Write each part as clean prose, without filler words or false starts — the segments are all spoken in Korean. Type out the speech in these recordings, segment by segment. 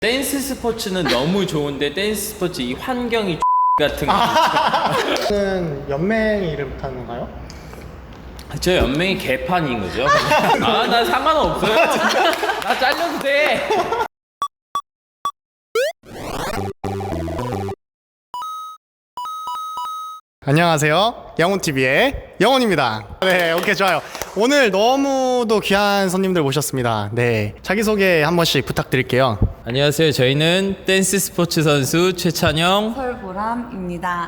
댄스 스포츠는 너무 좋은데 댄스 스포츠 이 환경이 같은 거. 는 연맹 이름 타는가요? 저 연맹이 개판인 거죠. 아, 나 상관없어요. 나 잘려도 돼. 안녕하세요. 영훈TV의 영훈입니다. 네, 오케이, 좋아요. 오늘 너무도 귀한 손님들 모셨습니다. 네, 자기소개 한 번씩 부탁드릴게요. 안녕하세요. 저희는 댄스 스포츠 선수 최찬영입니다. 설보람입니다.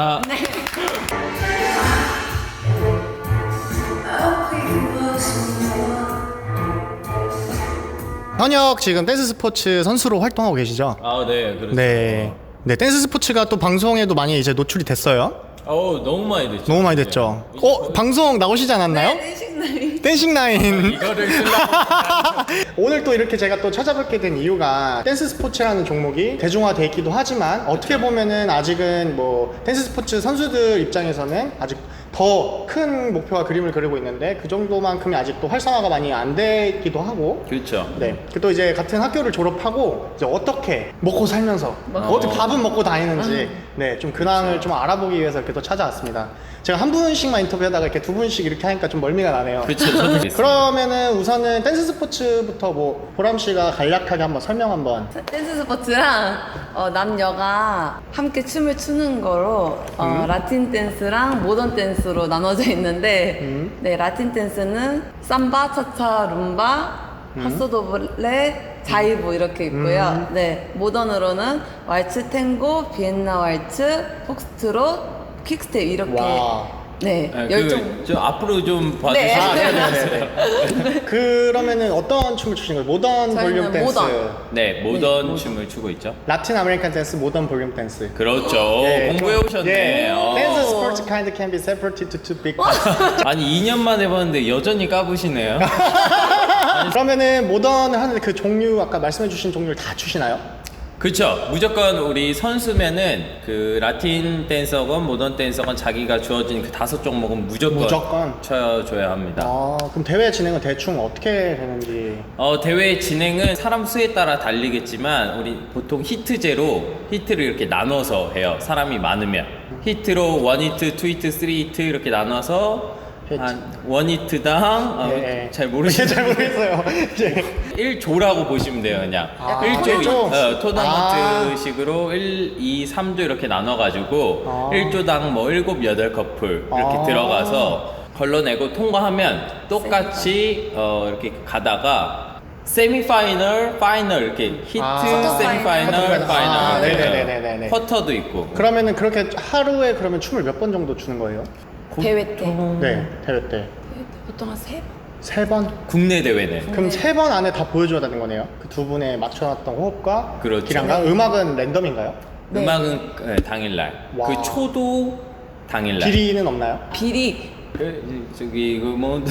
현역 지금 댄스 스포츠 선수로 활동하고 계시죠? 아, 네, 그렇죠. 네. 네, 댄스 스포츠가 또 방송에도 많이 이제 노출이 됐어요. 너무 많이 됐죠. 너무 많이 됐죠. 네. 방송 나오시지 않았나요? 네, 댄싱라인. 이거를 쓰려고. 오늘 또 이렇게 제가 또 찾아뵙게 된 이유가 댄스 스포츠라는 종목이 대중화돼 있기도 하지만 어떻게 보면은 아직은 뭐 댄스 스포츠 선수들 입장에서는 아직 더 큰 목표와 그림을 그리고 있는데 그 정도만큼이 아직도 활성화가 많이 안 되기도 하고. 그렇죠. 네. 또 이제 같은 학교를 졸업하고 이제 어떻게 먹고 살면서 어떻게 밥은 먹고 다니는지 네, 좀 근황을 좀 알아보기 위해서 이렇게 또 찾아왔습니다. 제가 한 분씩만 인터뷰하다가 이렇게 두 분씩 이렇게 하니까 좀 멀미가 나네요. 그렇죠. 저도 그랬습니다. 그러면은 우선은 댄스 스포츠부터 뭐 보람 씨가 간략하게 한번 설명 한번. 댄스 스포츠랑 남녀가 함께 춤을 추는 거로 라틴 댄스랑 모던 댄스로 나눠져 있는데 네, 라틴 댄스는 삼바, 차차, 룸바, 파소도블레, 자이브 이렇게 있고요. 네, 모던으로는 왈츠, 탱고, 비엔나 왈츠, 폭스트롯, 퀵스텝 이렇게 와. 네, 네, 열정. 좀 앞으로 좀 네. 봐주시면. 그러면은 어떤 춤을 추신 거예요? 모던 저희는 볼륨 댄스. 모던. 네, 모던 춤을 추고 있죠. 라틴 아메리칸 댄스, 모던 볼륨 댄스. 그렇죠. 예, 공부해 오셨네. 예. 어. 댄스 스포츠 kind can be separated to two big parts. 아니 2년만 해봤는데 여전히 까부시네요. 그러면은 모던을 하는데 그 종류 아까 말씀해주신 종류를 다 추시나요? 그렇죠. 무조건 우리 선수면은 그 라틴 댄서건 모던 댄서건 자기가 주어진 그 5종목은 무조건 쳐줘야 합니다. 아, 그럼 대회 진행은 대충 어떻게 되는지. 대회 진행은 사람 수에 따라 달리겠지만 우리 보통 히트제로 히트를 이렇게 나눠서 해요. 사람이 많으면 히트로 1히트, 2히트, 3히트 이렇게 나눠서 한 1히트당 네. 잘 모르시죠? 잘 모르겠어요. 예. 1조라고 보시면 돼요. 그냥 아, 1조 일조? 토너먼트식으로 1, 2, 3조 이렇게 나눠가지고 1조당 뭐 7, 8커플 이렇게 들어가서 걸러내고 통과하면 똑같이 이렇게 가다가 세미파이널, 파이널 이렇게 히트, 세미파이널, 파이널 네네네네네. 쿼터도 있고. 그러면은 그렇게 하루에 그러면 춤을 몇 번 정도 추는 거예요? 대회 때 네, 대회 때. 보통 한 3번? 3번? 국내 대회는 그럼 3번 안에 다 보여줘야 되는 거네요? 그 두 분의 맞춰놨던 호흡과 그렇죠. 기량과 음악은 랜덤인가요? 네. 음악은 당일날. 와. 그 초도 당일날. 비리는 없나요? 비리 저기 뭐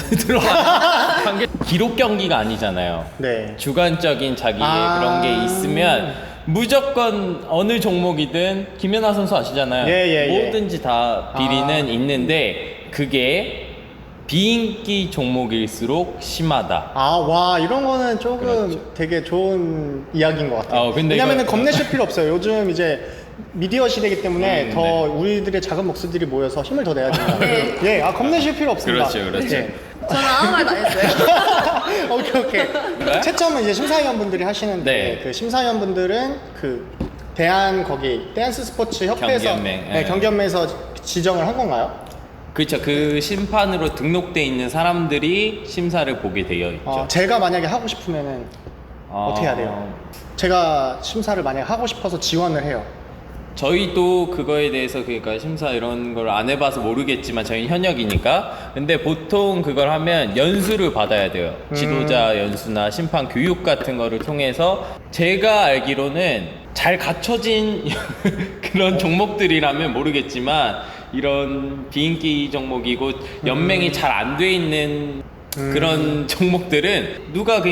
들어가 관계 기록 경기가 아니잖아요. 네. 주관적인 자기의 그런 게 있으면 무조건 어느 종목이든 김연아 선수 아시잖아요. 예. 뭐든지 다 비리는 있는데 그게 비인기 종목일수록 심하다. 아, 와, 이런 거는 조금 그렇죠. 되게 좋은 이야기인 것 같아요. 근데 왜냐면은 이거- 겁내실 필요 없어요. 요즘 이제 미디어 시대이기 때문에 더 네. 우리들의 작은 목소들이 모여서 힘을 더 내야 됩니다. 네. 예, 겁내실 필요 없습니다. 그렇죠. 예. 저는 아무 말도 안 했어요. 오케이. 네? 채점은 이제 심사위원분들이 하시는데 네. 그 심사위원분들은 그 대한 거기 댄스 스포츠 협회에서 경기연맹, 네, 예. 경기연맹에서 지정을 한 건가요? 그렇죠. 그 심판으로 등록돼 있는 사람들이 심사를 보게 되어 있죠. 제가 만약에 하고 싶으면은 어떻게 해야 돼요? 제가 심사를 만약에 하고 싶어서 지원을 해요. 저희도 그거에 대해서 그러니까 심사 이런 걸 안 해봐서 모르겠지만 저희는 현역이니까 근데 보통 그걸 하면 연수를 받아야 돼요. 지도자 연수나 심판 교육 같은 거를 통해서 제가 알기로는 잘 갖춰진 그런 종목들이라면 모르겠지만 이런 비인기 종목이고 연맹이 잘 안 돼 있는 그런 종목들은 누가 그러니까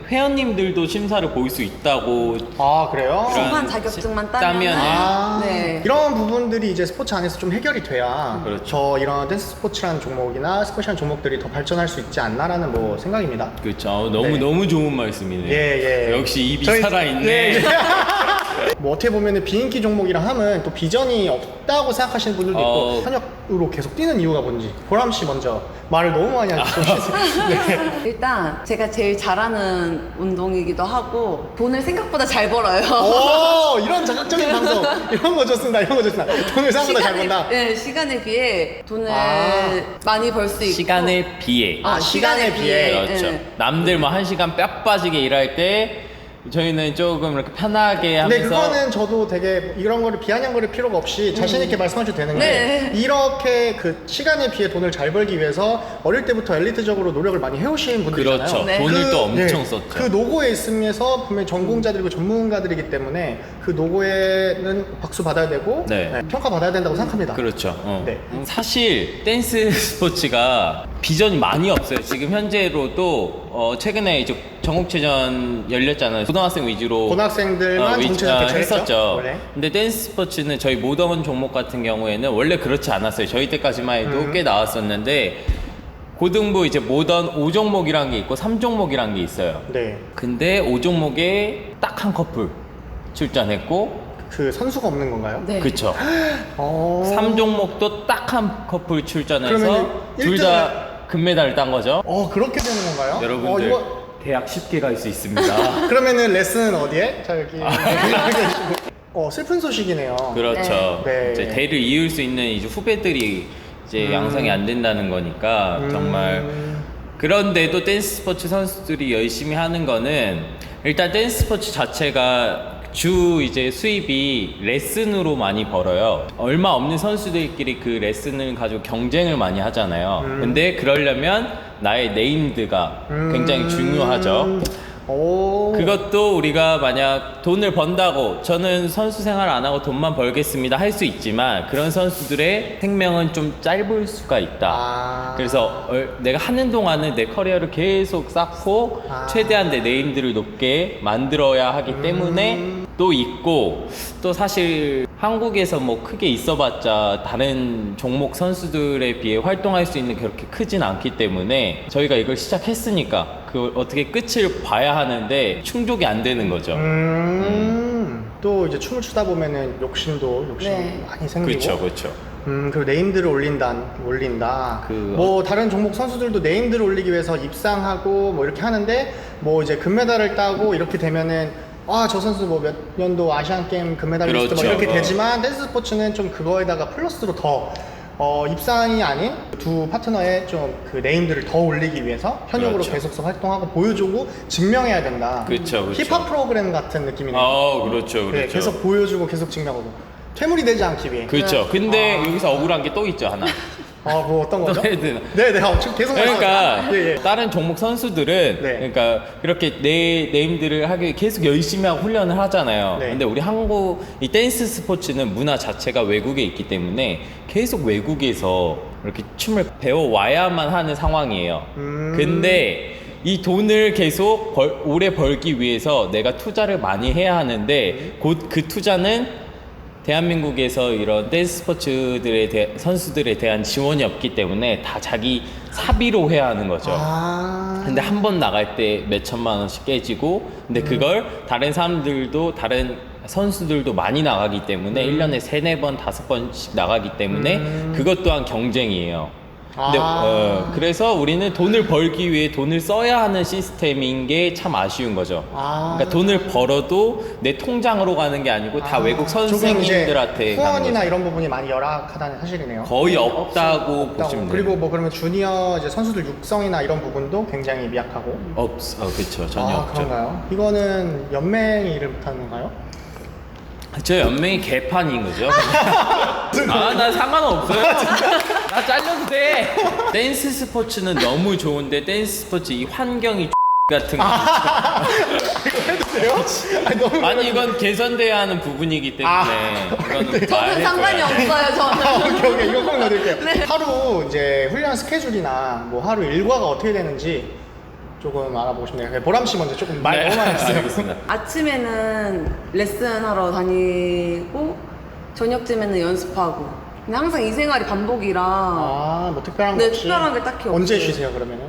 회원님들도 심사를 볼 수 있다고. 아 그래요? 그런 심판 자격증만 따면은. 아, 네. 이런 부분들이 이제 스포츠 안에서 좀 해결이 돼야 그렇죠. 저 이런 댄스 스포츠라는 종목이나 스쿼시라는 종목들이 더 발전할 수 있지 않나라는 뭐 생각입니다. 그렇죠. 너무 네. 너무 좋은 말씀이네요. 예, 예. 역시 입이 저희- 살아있네. 예, 예. 뭐 어떻게 보면은 비인기 종목이랑 하면 또 비전이 없다고 생각하시는 분들도 있고 현역으로 계속 뛰는 이유가 뭔지 보람 씨 먼저 말을 너무 많이 하시죠. 네. 일단 제가 제일 잘하는 운동이기도 하고 돈을 생각보다 잘 벌어요. 오 이런 자극적인 방송 이런 거 좋습니다. 이런 거 좋습니다. 돈을 생각보다 잘 번다. 네, 시간에 비해 돈을 아. 많이 벌 수 있고 시간에 비해. 시간에 비해. 그렇죠. 네. 남들 뭐 1시간 뼈 빠지게 일할 때 저희는 조금 이렇게 편하게 하면서. 근데 그거는 저도 되게 이런 거를 비아냥거릴 필요가 없이 자신 있게 말씀하셔도 되는 게 네. 이렇게 그 시간에 비해 돈을 잘 벌기 위해서 어릴 때부터 엘리트적으로 노력을 많이 해오신 분들이잖아요. 그렇죠. 네. 돈을 또 엄청 네, 썼죠. 그 노고에 있으면서 분명히 전공자들이고 전문가들이기 때문에 그 노고에는 박수 받아야 되고 네. 평가 받아야 된다고 생각합니다. 그렇죠. 네. 사실 댄스 스포츠가 비전이 많이 없어요. 지금 현재로도 최근에 이제 전국체전 열렸잖아요. 고등학생 위주로 고등학생들만 전체전 개최했죠. 했었죠. 원래. 근데 댄스 스포츠는 저희 모던 종목 같은 경우에는 원래 그렇지 않았어요. 저희 때까지만 해도 꽤 나왔었는데 고등부 이제 모던 5종목이란 게 있고 3종목이란 게 있어요. 네. 근데 5종목에 딱 한 커플 출전했고 그 선수가 없는 건가요? 네. 그쵸. 어... 3종목도 딱 한 커플 출전해서 그러면은 둘 다 금메달을 딴 거죠. 그렇게 되는 건가요? 여러분들 이거 대학 쉽게 갈 수 있습니다. 그러면은 레슨은 어디에? 자 여기 슬픈 소식이네요. 그렇죠. 네. 이제 대를 이을 수 있는 이제 후배들이 이제 양성이 안 된다는 거니까 정말. 그런데도 댄스 스포츠 선수들이 열심히 하는 거는 일단 댄스 스포츠 자체가 주 이제 수입이 레슨으로 많이 벌어요. 얼마 없는 선수들끼리 그 레슨을 가지고 경쟁을 많이 하잖아요. 근데 그러려면 나의 네임드가 굉장히 중요하죠. 오. 그것도 우리가 만약 돈을 번다고 저는 선수 생활 안 하고 돈만 벌겠습니다 할 수 있지만 그런 선수들의 생명은 좀 짧을 수가 있다. 아. 그래서 내가 하는 동안은 내 커리어를 계속 쌓고 최대한 내 네임들을 높게 만들어야 하기 때문에 또 있고 또 사실 한국에서 뭐 크게 있어봤자 다른 종목 선수들에 비해 활동할 수 있는 그렇게 크진 않기 때문에 저희가 이걸 시작했으니까 그걸 어떻게 끝을 봐야 하는데 충족이 안 되는 거죠. 또 이제 춤을 추다 보면은 욕심이 네. 많이 생기고. 그렇죠, 그렇죠. 그리고 네임들을 올린다. 뭐 다른 종목 선수들도 네임들을 올리기 위해서 입상하고 뭐 이렇게 하는데 뭐 이제 금메달을 따고 이렇게 되면은 저 선수 뭐 몇 년도 아시안 게임 금메달리스트 뭐 그렇죠. 이렇게 되지만 댄스 스포츠는 좀 그거에다가 플러스로 더 입상이 아닌 두 파트너의 좀 그 네임들을 더 올리기 위해서 현역으로 그렇죠. 계속해서 활동하고 보여주고 증명해야 된다. 그렇죠, 그렇죠. 힙합 프로그램 같은 느낌이네요. 그렇죠, 그렇죠. 네, 계속 보여주고 계속 증명하고 퇴물이 되지 않기 위해. 그렇죠. 근데 여기서 억울한 게 또 있죠, 하나. 뭐 어떤 거죠? 또 해야 되나? 네네, 지금 계속 그러니까 말씀하세요. 예, 예. 다른 종목 선수들은 네. 그러니까 그렇게 내 네임들을 하기 위해 계속 열심히 하고 훈련을 하잖아요. 네. 근데 우리 한국 이 댄스 스포츠는 문화 자체가 외국에 있기 때문에 계속 외국에서 이렇게 춤을 배워 와야만 하는 상황이에요. 근데 이 돈을 계속 오래 벌기 위해서 내가 투자를 많이 해야 하는데 곧 그 투자는 대한민국에서 이런 댄스 스포츠들에 선수들에 대한 지원이 없기 때문에 다 자기 사비로 해야 하는 거죠. 근데 한 번 나갈 때 몇 천만 원씩 깨지고 근데 그걸 다른 사람들도 다른 선수들도 많이 나가기 때문에 1년에 3, 4번, 5번씩 나가기 때문에 그것 또한 경쟁이에요. 근데 그래서 우리는 돈을 벌기 위해 돈을 써야 하는 시스템인 게 참 아쉬운 거죠. 그러니까 돈을 벌어도 내 통장으로 가는 게 아니고 다 외국 선생님들한테 가는 후원이나 거죠. 이런 부분이 많이 열악하다는 사실이네요. 거의 없다고 보시면 돼요. 그리고 뭐 그러면 주니어 이제 선수들 육성이나 이런 부분도 굉장히 미약하고. 그렇죠. 전혀 없죠. 그런가요? 이거는 연맹이 일을 못하는 건가요? 저 연맹이 개판인 거죠. 나 상관없어요. 나 잘려도 돼. 댄스 스포츠는 너무 좋은데 댄스 스포츠 이 환경이 같은 거. 아니 이건 개선돼야 하는 부분이기 때문에 이거는 저는 상관이 없어요. 저는. 오케이 이거 꼭 넣어드릴게요. 하루 이제 훈련 스케줄이나 뭐 하루 일과가 어떻게 되는지 조금 알아보고 싶네요. 네, 보람 씨 먼저 조금 말 너무 많이 했어요. 알겠습니다. 아침에는 레슨하러 다니고 저녁쯤에는 연습하고. 근데 항상 이 생활이 반복이라 아, 뭐 특별한 거 네, 없이? 특별한 게 딱히 언제 없어요. 쉬세요 그러면은?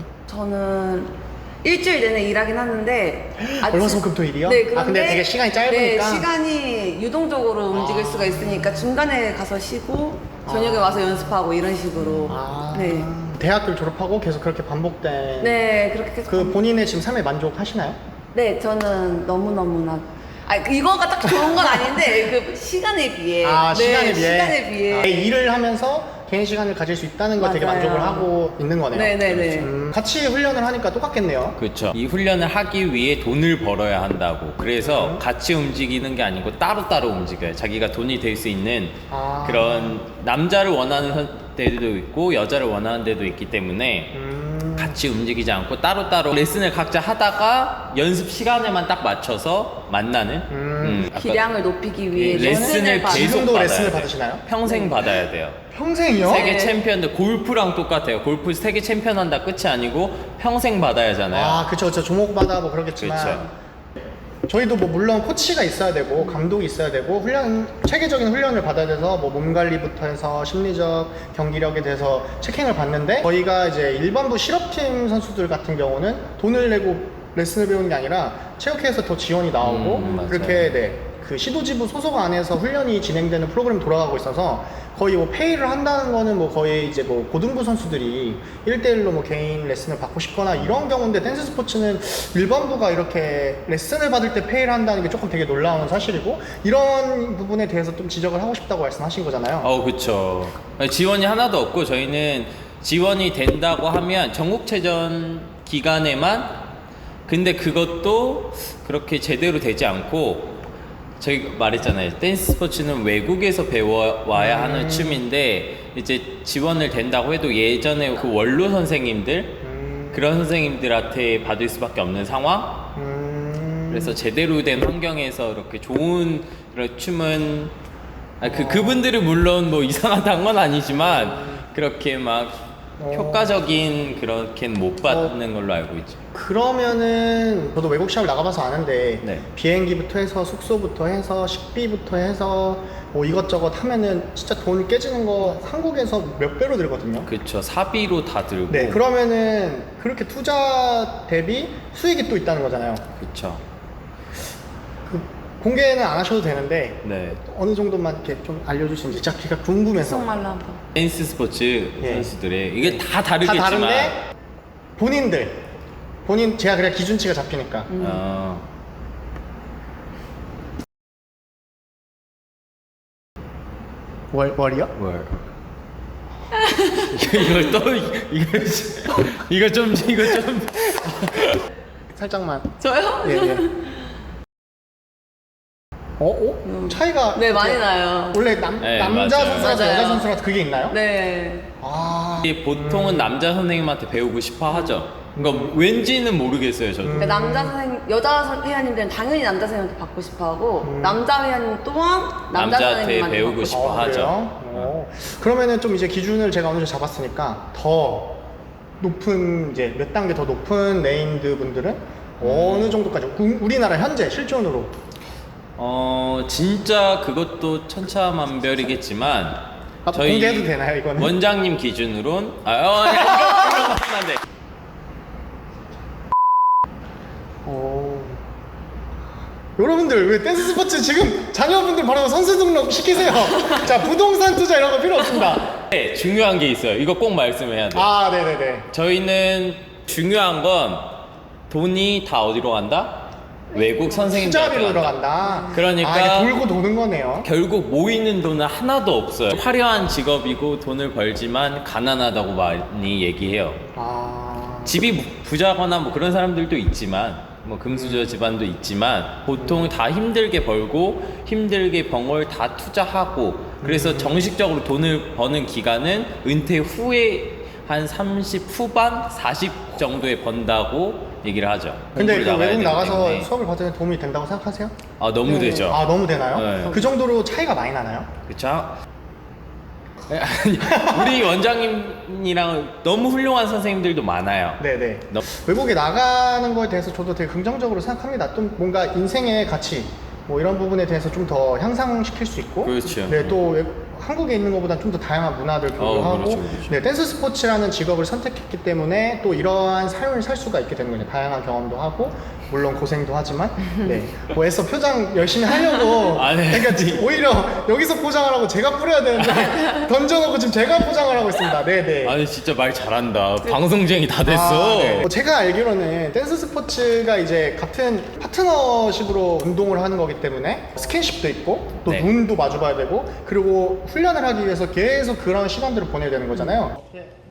저는 일주일 내내 일하긴 하는데 월화수목금토일이요? 네, 그런데 아, 근데 되게 시간이 짧으니까? 네, 시간이 유동적으로 움직일 수가 있으니까 중간에 가서 쉬고 저녁에 와서 연습하고 이런 식으로 네. 대학교를 졸업하고 계속 그렇게 반복된 네, 그렇게 계속 그 본인의 지금 삶에 만족하시나요? 네, 저는 너무너무나 이거가 딱 좋은 건 아닌데 그 시간에 비해 시간에 비해. 시간에 비해 일을 하면서 개인 시간을 가질 수 있다는 거 되게 맞아요. 만족을 하고 있는 거네요. 네네네. 같이 훈련을 하니까 똑같겠네요. 그렇죠. 이 훈련을 하기 위해 돈을 벌어야 한다고. 그래서 같이 움직이는 게 아니고 따로따로 움직여요. 자기가 돈이 될 수 있는 그런 남자를 원하는 데도 있고 여자를 원하는 데도 있기 때문에 같이 움직이지 않고 따로따로 레슨을 각자 하다가 연습 시간에만 딱 맞춰서 만나는 아까 기량을 높이기 위해 레슨을 받- 계속 지금도 받아야 레슨을 돼요. 받으시나요? 평생 받아야 돼요. 평생이요? 세계 네. 챔피언들 골프랑 똑같아요. 골프 세계 챔피언 한다 끝이 아니고 평생 받아야 하잖아요. 그쵸. 종목마다 뭐 그러겠지만. 그렇죠. 저희도 뭐 물론 코치가 있어야 되고 감독이 있어야 되고 체계적인 훈련을 받아야 돼서 뭐 몸 관리부터 해서 심리적 경기력에 대해서 체킹을 받는데 저희가 이제 일반부 실업팀 선수들 같은 경우는 돈을 내고 레슨을 배우는 게 아니라 체육회에서 더 지원이 나오고 맞아요. 그렇게 그 시도지부 소속 안에서 훈련이 진행되는 프로그램이 돌아가고 있어서 거의 뭐 페이를 한다는 거는 뭐 거의 이제 뭐 고등부 선수들이 1대1로 뭐 개인 레슨을 받고 싶거나 이런 경우인데 댄스 스포츠는 일반부가 이렇게 레슨을 받을 때 페이를 한다는 게 조금 되게 놀라운 사실이고 이런 부분에 대해서 좀 지적을 하고 싶다고 말씀하신 거잖아요. 그쵸. 지원이 하나도 없고 저희는 지원이 된다고 하면 전국체전 기간에만 근데 그것도 그렇게 제대로 되지 않고 저희 말했잖아요. 댄스 스포츠는 외국에서 배워와야 하는 춤인데 이제 지원을 된다고 해도 예전에 그 원로 선생님들 그런 선생님들한테 받을 수밖에 없는 상황. 그래서 제대로 된 환경에서 이렇게 좋은 그런 춤은 그분들은 물론 뭐 이상하다는 건 아니지만 그렇게 막 효과적인 그렇게는 못 받는 걸로 알고 있죠. 그러면은 저도 외국 시합을 나가봐서 아는데 네. 비행기부터 해서 숙소부터 해서 식비부터 해서 뭐 이것저것 하면은 진짜 돈 깨지는 거 한국에서 몇 배로 들거든요. 그쵸. 사비로 다 들고. 네, 그러면은 그렇게 투자 대비 수익이 또 있다는 거잖아요. 그쵸. 그 공개는 안 하셔도 되는데 네. 어느 정도만 이렇게 좀 알려주시는지 제가 궁금해서. 속말로 한번 댄스 스포츠 예. 선수들의 이게 다 다 다르겠지만 다른데 본인 제가 그냥 기준치가 잡히니까 월이요? 뭘? 이걸 또 이거 좀 살짝만. 저요? 예, 예. 차이가 네, 많이 나요. 원래 네, 남자 맞아요. 선수랑 맞아요. 여자 선수랑 그게 있나요? 네. 이게 보통은 남자 선생님한테 배우고 싶어 하죠. 그러니까 왠지는 모르겠어요, 저도. 그러니까 여자 회원님들은 당연히 남자 선생님한테 받고 싶어 하고 남자 회원님 또한 남자 남자한테 선생님한테 배우고 받고 싶어 하죠. 그래요? 그러면은 좀 이제 기준을 제가 어느 정도 잡았으니까 더 높은 이제 몇 단계 더 높은 네임드 분들은 어느 정도까지 우리나라 현재 실존으로 진짜 그것도 천차만별이겠지만 공개해도 되나요, 이거는? 원장님 기준으로는 안 돼. 여러분들 왜 댄스 스포츠 지금 자녀분들 바로 선수 등록 시키세요. 자, 부동산 투자 이런 거 필요 없습니다. 네, 중요한 게 있어요. 이거 꼭 말씀해야 돼요. 네네네. 저희는 중요한 건 돈이 다 어디로 간다? 외국 선생님들한테 투자비로 간다. 들어간다. 그러니까 이게 돌고 도는 거네요. 결국 모이는 돈은 하나도 없어요. 화려한 직업이고 돈을 벌지만 가난하다고 많이 얘기해요. 집이 부자거나 뭐 그런 사람들도 있지만 뭐 금수저 집안도 있지만 보통 다 힘들게 벌고 힘들게 번 걸 다 투자하고 그래서 정식적으로 돈을 버는 기간은 은퇴 후에 한 30 후반 40 정도에 번다고 얘기를 하죠. 근데 공부를 그 나가야 외국 되기 나가서 때문에. 수업을 받으면 도움이 된다고 생각하세요? 너무 되죠. 너무 되나요? 네. 그 정도로 차이가 많이 나나요? 그쵸? 아니, 우리 원장님이랑 너무 훌륭한 선생님들도 많아요. 네네. 너- 외국에 나가는 거에 대해서 저도 되게 긍정적으로 생각합니다. 좀 뭔가 인생의 가치 뭐 이런 부분에 대해서 좀 더 향상시킬 수 있고, 그렇죠. 네, 또 한국에 있는 것보다 좀 더 다양한 문화들 교류하고, 그렇죠, 그렇죠. 네, 댄스 스포츠라는 직업을 선택했기 때문에 또 이러한 삶을 살 수가 있게 되는 거예요. 다양한 경험도 하고, 물론 고생도 하지만, 네, 뭐 애써 표정 열심히 하려고, 아, 네. 그러니까 오히려 여기서 포장을 하고 제가 뿌려야 되는데 던져놓고 지금 제가 포장을 하고 있습니다. 네, 네. 아니 진짜 말 잘한다. 방송쟁이 다 됐어. 네. 제가 알기로는 댄스 스포츠가 이제 같은 파트너십으로 운동을 하는 거기 때문에 스킨십도 있고 또 네. 눈도 마주봐야 되고 그리고 훈련을 하기 위해서 계속 그런 시간들을 보내야 되는 거잖아요.